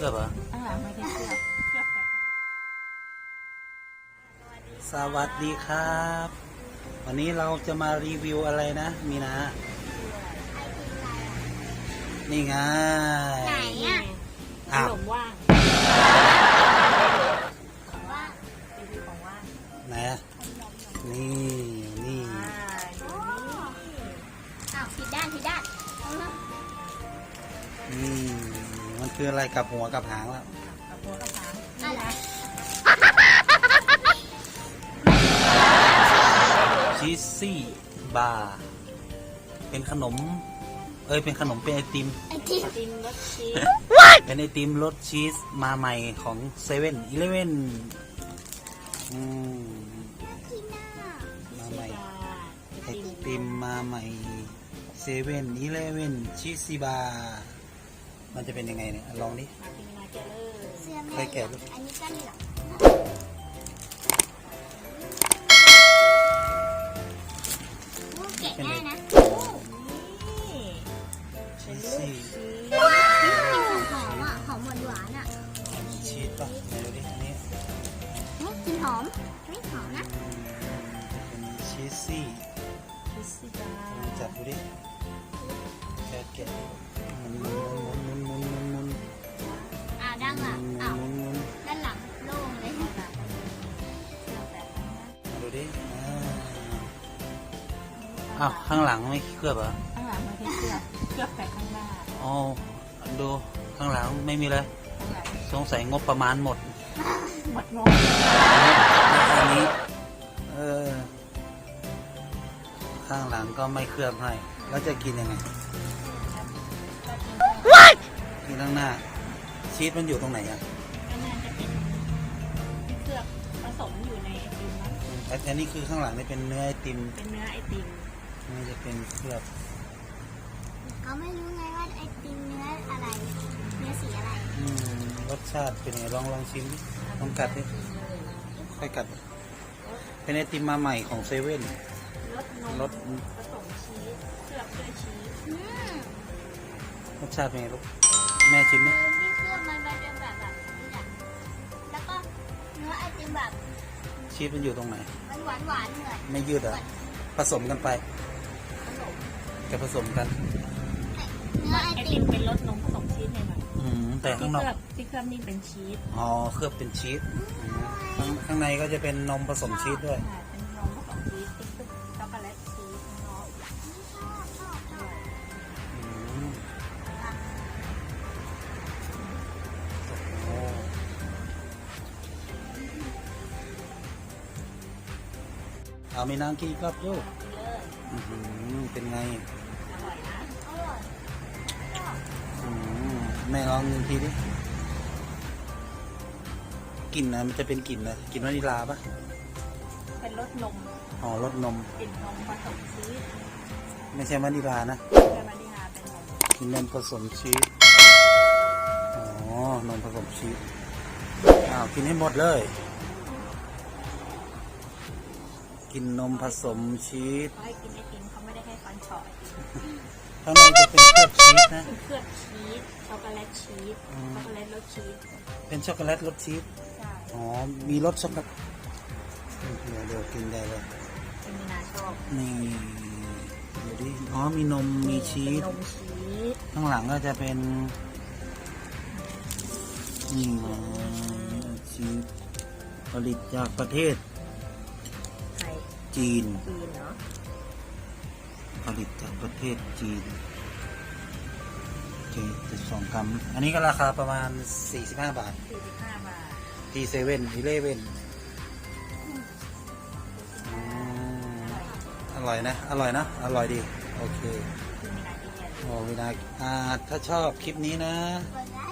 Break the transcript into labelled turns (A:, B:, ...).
A: ลือบเหรอ
B: ไม่ได้เคลือบแต่
A: สวัสดีครับ วันนี้เราจะมารีวิวอะไรนะมีนานี่ไง
C: ไหนอ่ะ
B: ขนมว่างรีวิวของว่าง
A: ไหนอ่ะนี่
C: ผิดด้าน
A: นี่มันคืออะไรกับหัวกับหางแล้ว
B: กับหัวกับหาง
C: อะไร
A: ชีสซี่บาร์เป็นขนมเป็นขนมเป็นไอติม
B: รสชีส
A: เป็นไอติมรสชีสมาใหม่ของเซเว่นอีเลฟเว่นมาใหม่ไอติมมาใหม่เซเว่นอีเลฟเว่นชีสซี่บาร์มันจะเป็นยังไงเนี่ยลองดิใครแกะดู
C: อันนี้ก็เหลืองแกะง่ายนะ
A: ชีสซี่
C: หอมอ่ะหอมหวานอ่ะ
A: ชีสป่ะไหนดูดิอันนี้
C: กลิ่นหอมไม่หอมนะ
A: เป็นชีสซี่จับดูดิแกะหมุน
C: ด้านหลังด้านหลังโล่งเลย
A: ดูดิข้างหลังไม่เคลือบเหรอ
B: ข้างหลังไม่ได้เคลือบแต่ข้างหน้า
A: อ๋อดูข้างหลังไม่มีเลยสงสัยงบประมาณหมด
B: งบ
A: อันนี้ข้างหลังก็ไม่เคลือบให้แล้วจะกินยังไงกินข้างหน้าชีสมันอยู่ตรงไหนอ่ะ
B: ข้างหน้าจะเป็นเคลือบผสมอยู่ในไอติมนะ
A: อันนี้คือข้างหลังนี่เป็นเนื้อไอติม
B: เป็นเนื้อไอติม
A: นี่จะเป็นเคลือบ
C: เขาไม่รู้ไงว่าไอติมเนื้ออะไรเนื้อสีอะไร
A: รสชาติเป็นไงลองชิมดิลองกัดดิค่อยกัดเป็นไอติมมาใหม่ของเซเว่นรส
B: ผสมชีสเคลือบด้วยชีส
A: รสชาติเป็นไงลูกแม่ชิมไหม
C: ที่เคลือบมันเป็นแบบนี้แหละแล้วก็เนื้อไอติมแบบ
A: ชีสมันอยู่ตรงไหน
C: มันหวานเหมือน
A: ไม่ยืดอ่ะผสมกันไปจะผสมกัน
C: เนื้อไอติม
B: เป็นรสนมผสมชีสหน่อย
A: แต่ข้างนอก
B: ที่เคลือบนี่เป็นชีส
A: เคลือบเป็นชีสข้างในก็จะเป็นนมผสมชีสด้วย
B: เป็นนมผสมชีสที่เคลือบช็อกโกแลตชีสเนาะ
A: เอามีน้ำกินอีกรอบลูกเป็นไงแม่ลองหนึ่งทีดิกลิ่นนะมันจะเป็นกลิ่นนะกลิ่นวานิลลาปะ
B: เป็นรสนม
A: รสนม
B: กลิ่นนมผสมชีส
A: ไม่ใช่วานิลลานะ
B: วานิลลาเป็นนม
A: กลิ่นนมผสมชีสนมผสมชีสกินให้หมดเลยกินนมผสมชีส
B: ให้กินไอติมเขาไม่ได้ให้ฟันฉ่อย
A: ข้างในจะเป็นเคลือบชีสนะ
B: เคลือบชีสช็อกโกแลตชีสช็อกโกแลตรสชีส
A: เป็นช็อกโกแลตรสชีสมีรสช็อกโกแลตเดี๋ยวกินได้เลย
B: มีนาชอบ
A: นี่เดี๋ยวดิมีนมมีชีสข้างหลังก็จะเป็นนี่ชีสผลิตจากประเทศจีน
B: เนาะ
A: ผลิตจากประเทศจีน72 กรัมอันนี้ก็ราคาประมาณ45 บาทที่เซเว่นอีเลฟเว่นอร่อยนะอร่อยดีโอเควินาถ้าชอบคลิปนี้นะ